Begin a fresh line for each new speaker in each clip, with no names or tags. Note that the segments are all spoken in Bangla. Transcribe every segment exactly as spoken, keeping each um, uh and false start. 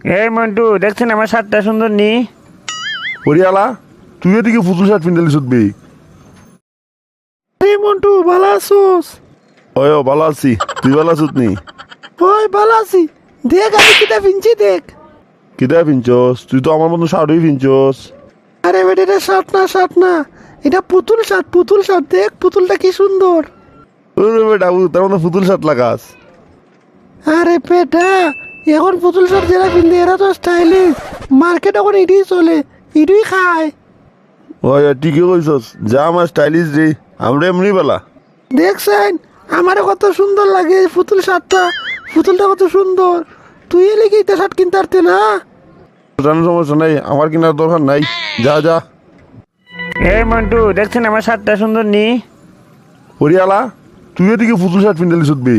এই মন্টু দেখছেন আমার শার্টটা সুন্দর নি?
হরিয়ালা তুই এদিকে ফুতুল শার্ট পিন্দালি শুধবি।
এই মন্টু ভালো আছোস?
ওই ও ভালো আছি, তুই ভালো আছিস নি?
ওই ভালো আছি। দেখ আমি কিতা পিনছি দেখ।
কিতা পিনছস? তুই তো আমার মতন শার্টই পিনছস।
আরে বেটা এটা শার্ট না শার্ট না, এটা পুতুল শার্ট পুতুল শার্ট। দেখ পুতুলটা কি সুন্দর।
ওরে বেটা তার মতো ফুতুল শার্ট লাগাস।
আরে বেটা এখন পুতুল শার্ট যারা পিনতে এরা তো স্টাইলিশ। মার্কেট এখন এটাই চলে, এটাই খায়।
ওই ঠিকই কইছস, যা আমার স্টাইলিশ রে, আমরা এমনি বেলা।
দেখছেন আমারও কত সুন্দর লাগে এই পুতুল শার্টটা। পুতুলটা কত সুন্দর। তুই এলে কি এটা শার্ট কিনতে পারতে না?
জানো সমস্যা নাই, আমার কেনার দরকার নাই, যা যা।
এই মন্টু দেখছেন আমার শার্টটা সুন্দর নি?
হরিয়ালা তুই এদিকে ফুতুল শার্ট পিন্দালি শুধবি।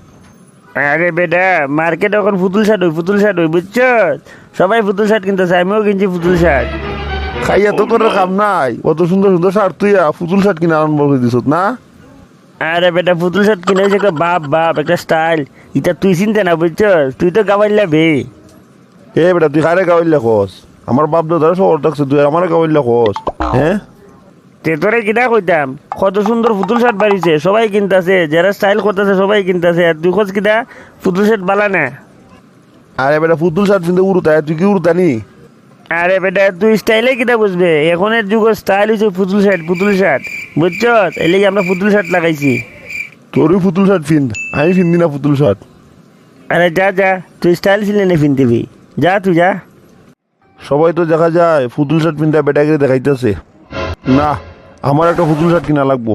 আরে বেটা মার্কেট এখন পুতুল শার্ট হই পুতুল শার্ট হই বুঝছ? সবাই পুতুল শার্ট কিনতেছে, আমিও কিনছি পুতুল শার্ট।
খাইয়া তো তোর কাম নাই, অত সুন্দর সুন্দর শার্ট তুই ফুতুল শার্ট কিনে আরম্ভ করে দিছ না?
আরে বেটা পুতুল শার্ট কিনে হয়েছে একটা বাপ বাপ একটা স্টাইল। এটা তুই চিনতে না বুঝছ? তুই তো গাবাইলা বে।
এ বেটা তুই কারে গাওয়াইলে খোস? আমার বাপ দাদার শহর থাকছে, তুই আমার গাওয়াইলে খোস? হ্যাঁ
তে তোরে কিনা কইতাম কত সুন্দর পুতুল শার্ট বাড়িছে, সবাই কিনতেছে, যারা স্টাইল করতেছে সবাই কিনতেছে, আর তুই খোঁজ কিনা পুতুল শার্ট বালা না।
আরে বেটা ফুতুল শার্ট পিনতে উড়ুতায়, তুই কি উড়তানি?
আরে বেটা তুই স্টাইলে কিনা বুঝবে? এখনের যুগ স্টাইল হচ্ছে পুতুল শার্ট পুতুল শার্ট বুঝছ? এই লেগে আমরা পুতুল শার্ট লাগাইছি।
তোরই ফুতুল শার্ট ফিন, আমি ফিন্দি না ফুতুল শার্ট।
আরে যা যা, তুই স্টাইল ছিলে না ফিনতিবি, যা তুই যা।
সবাই তো দেখা যায় ফুতুল শার্ট পিনতে বেটাকে দেখাইতেছে। না, আমার একটা ফুতুল শার্ট কিনা লাগবো।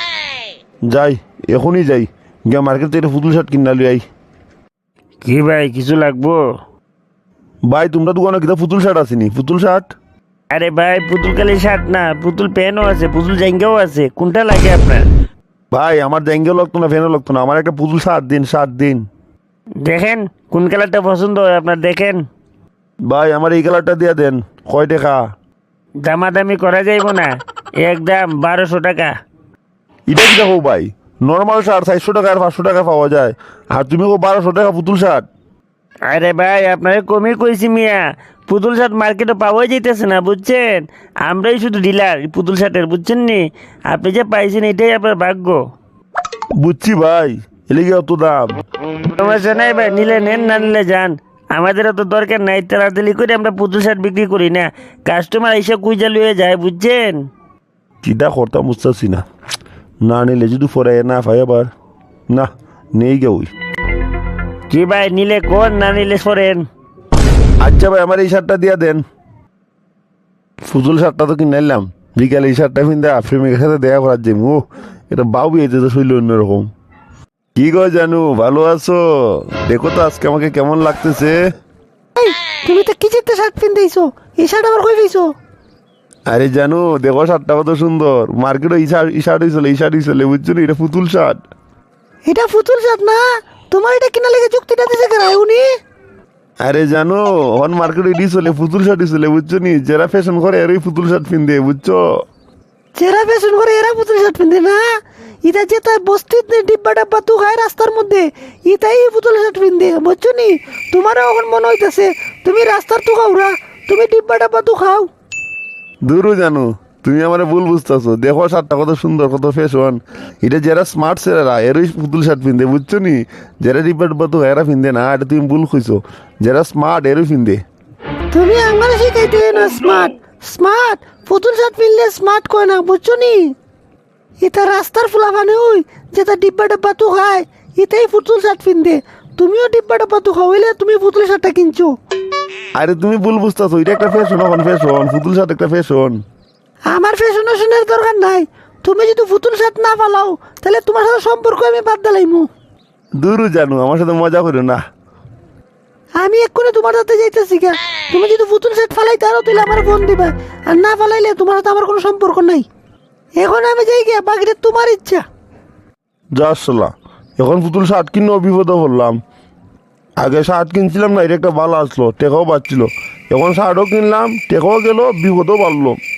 যাই এখনই যাই, গিয়া মার্কেট থেকে ফুতুল শার্ট কিনা লই আই।
কি ভাই কিছু লাগবো?
ভাই তোমরা দোকানে কিতা ফুতুল শার্ট আসেনি? ফুতুল শার্ট
আরে ভাই পুতুল কালি শার্ট না, পুতুল প্যান্টও আছে, পুতুল জাঙ্গাও আছে, কোনটা লাগে আপনার?
ভাই আমার জ্যাঙ্গেও লাগতো না, ফ্যানও লাগতো না, আমার একটা পুতুল শার্ট দিন, শার্ট দিন।
দেখেন কোন কালারটা পছন্দ হয় আপনার, দেখেন।
ভাই আমার এই কালারটা দিয়ে দেন। কয় টাকা?
দামাদামি করা যাইব না, একদম বারোশো টাকা।
এটা কি দেখো ভাই, নর্মাল শার্ট চারশো টাকা আর পাঁচশো টাকা পাওয়া যায়, আর তুমি কো বারোশো টাকা পুতুল শার্ট?
আরে ভাই আপনারে কমই কইছি মিয়া, পুতুল শার্ট মার্কেটে পাওয়াই যাইতেছে না বুঝছেন? আমরাই শুধু ডিলার পুতুল শার্টের বুঝছেন নি? আপনি যে পাইছেন এটাই আপনার ভাগ্য।
বুঝছি ভাই, এলিগে অত দাম।
সমস্যা নাই ভাই, নিলে নেন না নিলে যান, আমাদের তো দরকার নাই। তাড়াতাড়ি করে আমরা পুতুল শার্ট বিক্রি করি না, কাস্টমার এসে কুইজা লুয়ে যায় বুঝছেন?
চিন্তা করতাম বুঝতেছি না, না নিলে যদি পরে না পাই আবার, না নেই গে ওই।
কি ভাই নিলে কোন, না নিলে সরেন।
আচ্ছা ভাই আমার এই শার্টটা দিয়া দেন। ফুতুল শার্টটা তো কিনে নিলাম, বিকালে এই শার্টটা কিনতে প্রেমিকের সাথে দেখা করার যে ও এটা বাউ বিয়েতে তো শৈল অন্যরকম। কি গো জানু, ভালো আছো? দেখো তো আজকে আমাকে কেমন লাগতেছে।
এই তুমি তো কি চিত্তে শার্ট পিনতেইছো? এই শার্ট আবার কই পেয়েছো?
আরে জানু দেখো শার্টটা কত সুন্দর, মার্কেটে এই শার্ট এই শার্টই চলে, এই শার্টই চলে, বুঝছো না? এটা ফুতুল শার্ট।
এটা পুতুল শার্ট না, তোমার এটা কিনা লেগে যুক্তিটা দিছে কেন উনি?
আরে জানো হন মার্কেটে এটি চলে, ফুতুল শার্টই চলে, বুঝছো নি? যারা ফ্যাশন করে এরই ফুতুল শার্ট পিনতে, বুঝছো?
যারা ফ্যাশন করে এরা পুতুল শার্ট পিনতে না? ইটা যে তাই বস্তির ডিব্বা ডাব্বা তু খায় রাস্তার মধ্যে, ইটাই পুতুল শার্ট পিনতে বুঝছো নি? তোমারও এখন মনে হইতেছে তুমি রাস্তার তু খাওরা, তুমি ডিব্বা ডাব্বা তু খাও।
দূরও জানো তুমি আমার ভুল বুঝতেছো, দেখো শার্টটা কত সুন্দর, কত ফ্যাশন। এটা যারা স্মার্ট ছেলেরা এরই পুতুল শার্ট পিনতে, বুঝছো নি? যারা ডিব্বা ডিব্বা তো এরা পিনতে না, এটা তুমি ভুল খুঁজছো। যারা স্মার্ট এরই পিনতে।
তুমি আমার শিখাইতে না স্মার্ট স্মার্ট পুতুল শার্ট পিনলে স্মার্ট কয় না বুঝছো নি? এটা রাস্তার ফুলা মানে ওই যেটা ডিব্বা ডাব্বা তু খায়, এটাই পুতুল শার্ট পিনতে। তুমিও ডিব্বা ডাব্বা তু খাওয়াইলে তুমি পুতুল শার্টটা কিনছো।
আরে তুমি ভুল বুঝতেছো, এটা একটা ফ্যাশন, এখন ফ্যাশন পুতুল শার্ট একটা ফ্যাশন।
আমার ফ্যাশন ফ্যাশনের দরকার নাই। তুমি যদি পুতুল শার্ট না পালাও তাহলে তোমার সাথে সম্পর্ক আমি বাদ দিলাইমু।
দূরও জানো আমার সাথে মজা করো না।
আমি এক্ষুনি তোমার সাথে যাইতেছি গা। তুমি যদি পুতুল শার্ট ফালাইতে আরো তাহলে আমার ফোন দিবা, আর না ফালাইলে তোমার সাথে আমার কোনো সম্পর্ক নাই। এখন আমি যাই গিয়া, বাকিটা তোমার ইচ্ছা।
যা আসলা, এখন পুতুল শার্ট কিনে বিপদে পড়লাম। আগে শার্ট কিনছিলাম না, এটা একটা ভালো আসলো, টেকাও বাড়ছিল। এখন শার্টও কিনলাম, টেকাও গেল, বিপদও বাড়লো।